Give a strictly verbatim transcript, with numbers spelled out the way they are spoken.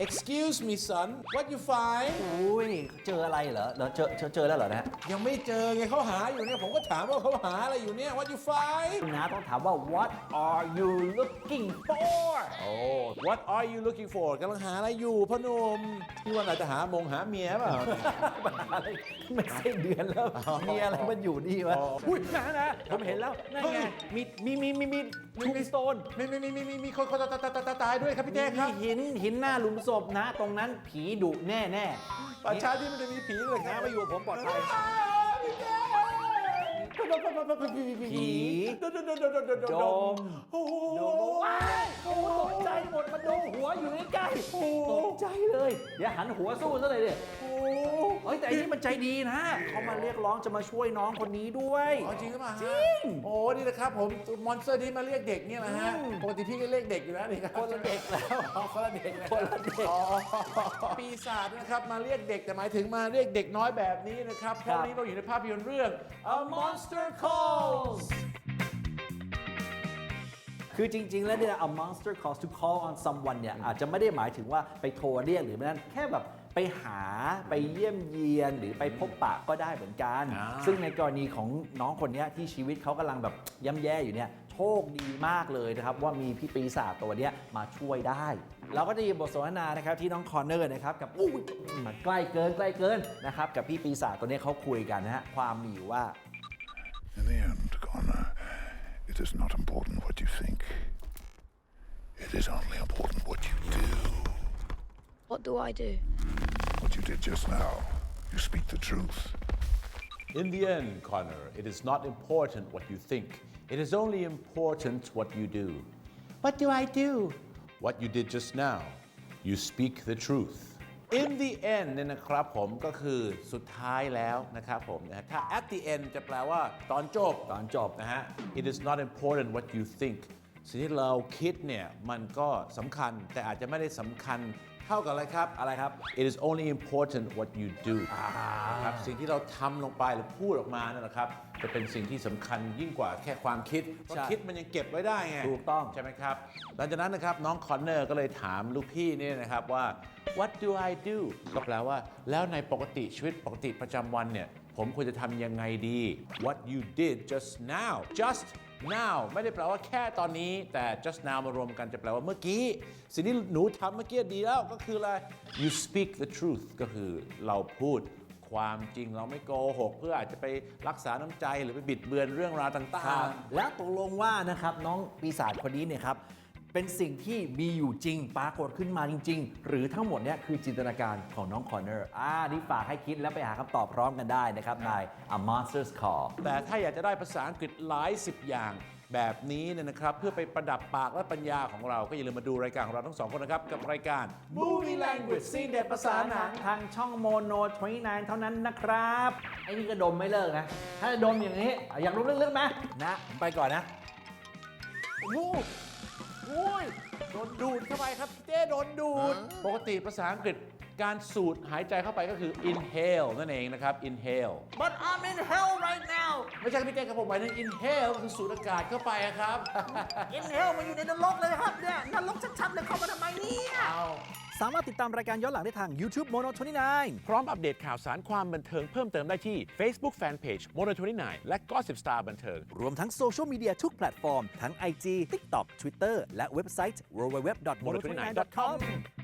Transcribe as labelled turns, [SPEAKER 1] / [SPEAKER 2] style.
[SPEAKER 1] excuse me son what you find
[SPEAKER 2] อุ้ยเจออะไรเหรอเหรอเจอเจอเจอแล้วเหรอนะ
[SPEAKER 1] ยังไม่เจอไงเขาหาอยู่เนี่ยผมก็ถามว่าเขาหาอะไรอยู่เนี่ย what you find
[SPEAKER 2] คุณน้าต้องถามว่า what are you looking for
[SPEAKER 1] โอ้ what are you looking for กำลังหาอะไรอยู่พ่อหนุ่มพี่ว่าเราจะหามงหาเมียเปล่า
[SPEAKER 2] อะไรไม่ใช่เดือนแล้ว มีอะไรมันอยู่นี่วะ
[SPEAKER 1] อ๋อ
[SPEAKER 2] อุ้ยนะนะผมเห็นแล้วนั่นไงมีมีมีมีมีทูสโตน
[SPEAKER 1] มีมีมีมีมีมีคนคนตายตายตายตายด้วยครับพี่แจ๊คครับ
[SPEAKER 2] มีหินหินหน้าหลุมศพนะ ตรงนั้นผีดุแน่แน่
[SPEAKER 1] ป่าช้าที่มันจะมีผีเลยค
[SPEAKER 2] นะ
[SPEAKER 1] รับ
[SPEAKER 2] มาอยู่กับผมปลอดภัย
[SPEAKER 1] พี่แจ๊คผี
[SPEAKER 2] โดม
[SPEAKER 1] โอ้โห
[SPEAKER 2] โดมว้ายโอ้ตกใจหมดมาดูหัวอยู่ใกล้ๆตกใจเลยเดี๋ยวหันหัวสู้ซะเลยดิเฮ้ยแต่อันนี้มันใจดีนะเขามาเรียกร้องจะมาช่วยน้องคนนี้ด้วย
[SPEAKER 1] อ๋อจริงหรือเปล่า
[SPEAKER 2] จริง
[SPEAKER 1] โอ้นี่นะครับผมมอนสเตอร์นี้มาเรียกเด็กเนี่ยนะฮะปกติพี่ก็เรียกเด็กอยู่แล้วนี่ครับ
[SPEAKER 2] คนละเด็กแล้ว
[SPEAKER 1] อ๋อคนละเด็กนะ
[SPEAKER 2] คนละเด็ก
[SPEAKER 1] อ๋อปีศาจนะครับมาเรียกเด็กแต่หมายถึงมาเรียกเด็กน้อยแบบนี้นะครับเพราะวันนี้เราอยู่ในภาพยนตร์เรื่อง A Monster Calls
[SPEAKER 2] คือจริง ๆ แล้วเนี่ย a monster calls to call on someone เนี่ยอาจจะไม่ได้หมายถึงว่าไปโทรเรียกหรือไม่นั่นแค่แบบไปหาไปเยี่ยมเยียนหรือไปพบปะก็ได้เหมือนกัน
[SPEAKER 1] อ่า
[SPEAKER 2] ซึ่งในกรณีของน้องคนเนี้ยที่ชีวิตเขากำลังแบบย่ำแย่อยู่เนี่ยโชคดีมากเลยนะครับว่ามีพี่ปีศาจตัวเนี้ยมาช่วยได้ เราก็จะยินบทสนทนานะครับที่น้องคอนเนอร์นะครับกับอู้มันใกล้เกินใกล้เกินนะครับกับพี่ปีศาจตัวเนี้ยเขาคุยกันนะฮะความมีอยู่ว่า
[SPEAKER 3] In the end, Connor, it is not important what you think. It is only important what you do.
[SPEAKER 4] What do I do?
[SPEAKER 3] What you did just now. You speak the truth.
[SPEAKER 1] In the end, Connor, it is not important what you think. It is only important what you do. What do I do? What you did just now. You speak the truth. In the end เนี่ยนะครับผมก็คือสุดท้ายแล้วนะครับผมนะฮะถ้า at the end จะแปลว่าตอนจบ
[SPEAKER 2] ตอนจบ
[SPEAKER 1] นะฮะ It is not important what you think สิ่งที่เราคิดเนี่ยมันก็สำคัญแต่อาจจะไม่ได้สำคัญเท่ากับอะไรครับ
[SPEAKER 2] อะไรครับ
[SPEAKER 1] It is only important what you do นะครับสิ่งที่เราทำลงไปหรือพูดออกมานั่นแหละครับจะเป็นสิ่งที่สำคัญยิ่งกว่าแค่ความคิดเพราะ
[SPEAKER 2] ใช่
[SPEAKER 1] คิดมันยังเก็บไว้ได้ไง
[SPEAKER 2] ถูกต้อง
[SPEAKER 1] ใช่ไหมครับหลังจากนั้นนะครับน้องคอนเนอร์ก็เลยถามลูกพี่นี่นะครับว่า What do I do ก็แปลว่าแล้วในปกติชีวิตปกติประจำวันเนี่ยผมควรจะทำยังไงดี What you did just now just now ไม่ได้แปลว่าแค่ตอนนี้แต่ just now มารวมกันจะแปลว่าเมื่อกี้สิ่งที่หนูทำเมื่อกี้ดีแล้วก็คืออะไร you speak the truth ก็คือเราพูดความจริงเราไม่โกหกเพื่ออาจจะไปรักษาน้ำใจหรือไปบิดเบือนเรื่องราวต่างๆ
[SPEAKER 2] แล้วตกลงว่านะครับน้องปีศาจคนนี้เนี่ยครับเป็นสิ่งที่มีอยู่จริงปรากฏขึ้นมาจริง ๆ หรือทั้งหมดเนี่ยคือจินตนาการของน้องคอนเนอร์อ่านี่ฝากให้คิดแล้วไปหาคำตอบพร้อมกันได้นะครับใน A Monster's Call
[SPEAKER 1] แต่ถ้าอยากจะได้ภาษาอังกฤษหลายสิบอย่างแบบนี้เนี่ยนะครับเพื่อไปประดับปากและปัญญาของเราก็อย่าลืมมาดูรายการของเราทั้งสองคนนะครับกับรายการ Movie Language ซีนเด็ดภาษาหนัง
[SPEAKER 2] ทางช่องโมโนยี่สิบเก้าเท่านั้นนะครับไอ้นี่ก็ดมไม่เลิกนะ ถ้าดมอย่างนี้อยากดมลึกๆไหมนะผมไปก่อนนะ
[SPEAKER 1] โอ้โหโดนดูดเข้าไปครับพี่เต้โดนดูด ปกติภาษาอังกฤษการสูดหายใจเข้าไปก็คือ inhale นั่นเองนะครับ inhale
[SPEAKER 2] But I'm in hell right now
[SPEAKER 1] ไม่ใช่พี่เต้ครับผมหมายถึง inhale ก็คือสูดอากาศเข้าไปอะครับ
[SPEAKER 2] in hell มันอยู่ในนรกเลยครับเนี่ยนรกชัดๆเลยเข้ามาทำไมเนี่ย
[SPEAKER 1] เอา
[SPEAKER 2] สามารถติดตามรายการย้อนหลังได้ทาง YouTube Mono ยี่สิบเก้า
[SPEAKER 1] พร้อมอัปเดตข่าวสารความบันเทิงเพิ่มเติมได้ที่ Facebook Fanpage Mono ยี่สิบเก้า และ Gossip Star บันเทิง
[SPEAKER 2] รวมทั้งโซเชียลมีเดียทุกแพลตฟอร์ม ทั้ง ไอ จี TikTok Twitter และเว็บไซต์ ดับเบิลยู ดับเบิลยู ดับเบิลยู ดอท โมโน ยี่สิบเก้า ดอท คอม